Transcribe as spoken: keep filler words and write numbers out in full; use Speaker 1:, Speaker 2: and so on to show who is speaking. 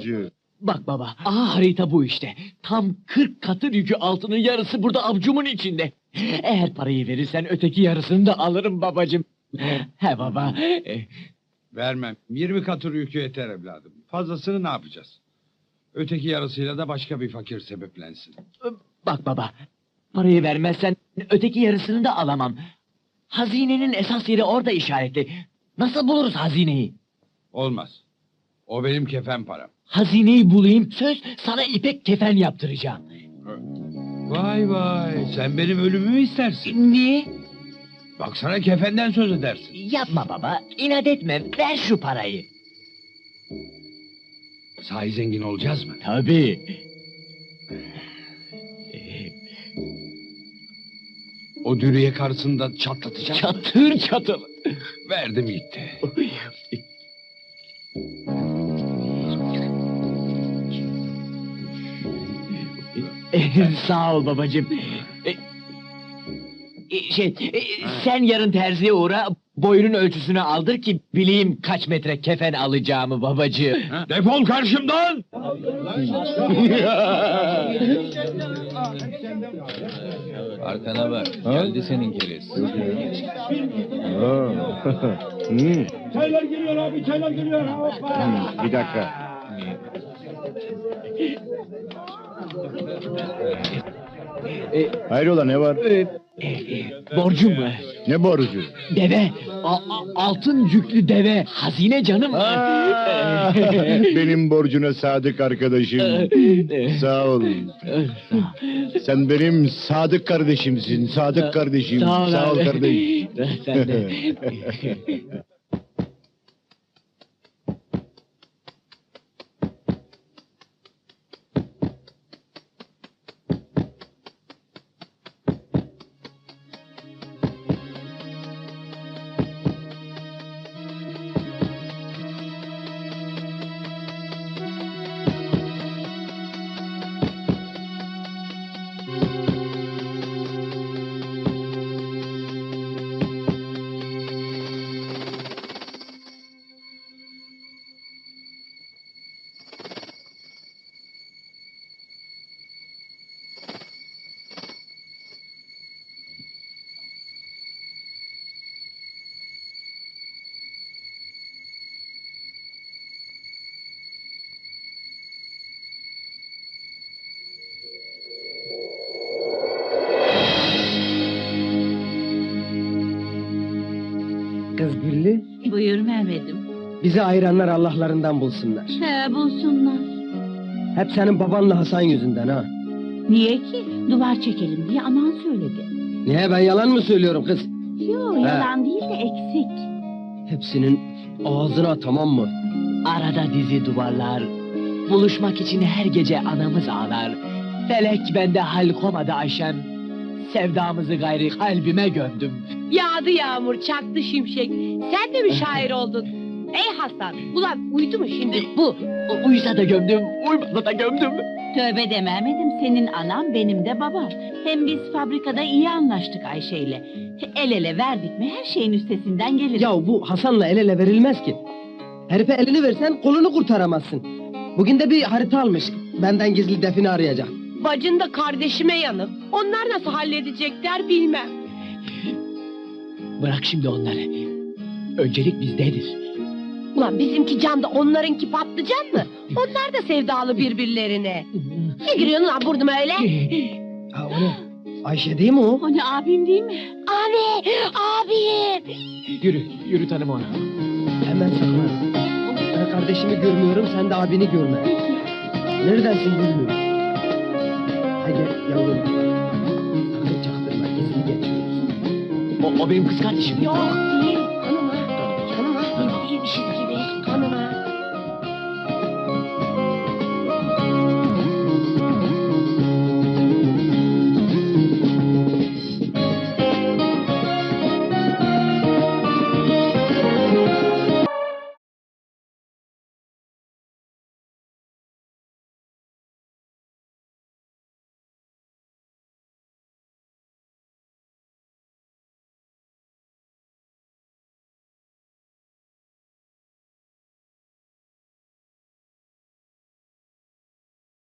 Speaker 1: babacığım.
Speaker 2: Bak baba, aha harita bu işte. Tam kırk katır yükü altının yarısı burada avcumun içinde. Eğer parayı verirsen öteki yarısını da alırım babacığım. He baba. e,
Speaker 3: Vermem. Yirmi katır yükü yeter evladım. Fazlasını ne yapacağız? Öteki yarısıyla da başka bir fakir sebeplensin.
Speaker 2: Bak baba, parayı vermezsen öteki yarısını da alamam. Hazinenin esas yeri orada işaretli. Nasıl buluruz hazineyi?
Speaker 3: Olmaz. O benim kefen param.
Speaker 2: Hazineyi bulayım, söz sana ipek kefen yaptıracağım.
Speaker 3: Vay vay, sen benim ölümümü istersin.
Speaker 2: Niye?
Speaker 3: Baksana kefenden söz edersin.
Speaker 2: Yapma baba, inat etme, ver şu parayı.
Speaker 3: Sahi zengin olacağız mı?
Speaker 2: Tabii.
Speaker 3: O dürüye karşısında çatlatacağım.
Speaker 2: Çatır çatır.
Speaker 3: Verdim gitti.
Speaker 2: Sağ ol babacığım. E, e, Şey, e, sen yarın terziye uğra, boyunun ölçüsünü aldır ki bileyim kaç metre kefen alacağımı babacığım.
Speaker 3: Ha? Defol karşımdan!
Speaker 4: Arkana bak, geldi senin keriz.
Speaker 1: Hmm,
Speaker 5: Çaylar geliyor abi, çaylar geliyor. Hoppa.
Speaker 1: hmm, bir dakika. Hayrola ne var?
Speaker 2: E, e, Borcum mu?
Speaker 1: Ne borcu?
Speaker 2: Deve, a- a- altın yüklü deve, hazine canım.
Speaker 1: Aa, benim borcuna sadık arkadaşım. Sağ ol. Sen benim sadık kardeşimsin. Sadık kardeşim.
Speaker 2: Sağ ol,
Speaker 1: Sağ ol
Speaker 2: abi.
Speaker 1: kardeş.
Speaker 2: Sen de.
Speaker 6: Kız Güllü,
Speaker 7: Buyur Mehmet'im.
Speaker 6: bizi ayıranlar Allah'larından bulsunlar.
Speaker 7: He bulsunlar.
Speaker 6: Hep senin babanla Hasan yüzünden ha.
Speaker 7: Niye ki? Duvar çekelim diye aman söyledi.
Speaker 6: Niye, ben yalan mı söylüyorum kız?
Speaker 7: Yo yalan değil de eksik.
Speaker 6: Hepsinin ağzına, tamam mı?
Speaker 2: Arada dizi duvarlar, buluşmak için her gece anamız ağlar. Felek bende hal komadı Ayşem, sevdamızı gayri kalbime gömdüm.
Speaker 8: Yağdı yağmur, çaktı şimşek. Sen de mi şair oldun? Ey Hasan, ulan uyudu mu şimdi bu?
Speaker 2: U- Uyusa da gömdüm, uymasa da gömdüm.
Speaker 7: Tövbe de Mehmet'im, senin anam benim de babam. Hem biz fabrikada iyi anlaştık Ayşe'yle. El ele verdik mi her şeyin üstesinden geliriz.
Speaker 6: Ya bu Hasan'la el ele verilmez ki. Herife elini versen kolunu kurtaramazsın. Bugün de bir harita almış. Benden gizli defini arayacak.
Speaker 8: Bacın da kardeşime yanık. Onlar nasıl halledecekler bilmem.
Speaker 2: Bırak şimdi onları. Öncelik bizdedir.
Speaker 8: Ulan bizimki can da onlarınki patlıcan mı? Onlar da sevdalı birbirlerine. Ne giriyorsun lan burnuma öyle?
Speaker 6: Ha o ne? Ayşe değil mi o?
Speaker 7: O ne, abim değil mi?
Speaker 8: Abi, abim.
Speaker 2: Yürü, yürü tanım onu.
Speaker 6: Hemen saklan. Ben kardeşimi görmüyorum, sen de abini görme. Neredensin Güllü? Hadi yavrum. Sakın çaktırma, gizli geçiyoruz.
Speaker 2: O, o benim kız kardeşim.
Speaker 8: Yok değil. Hanıma. Hanıma. Biz değilmişiz ki.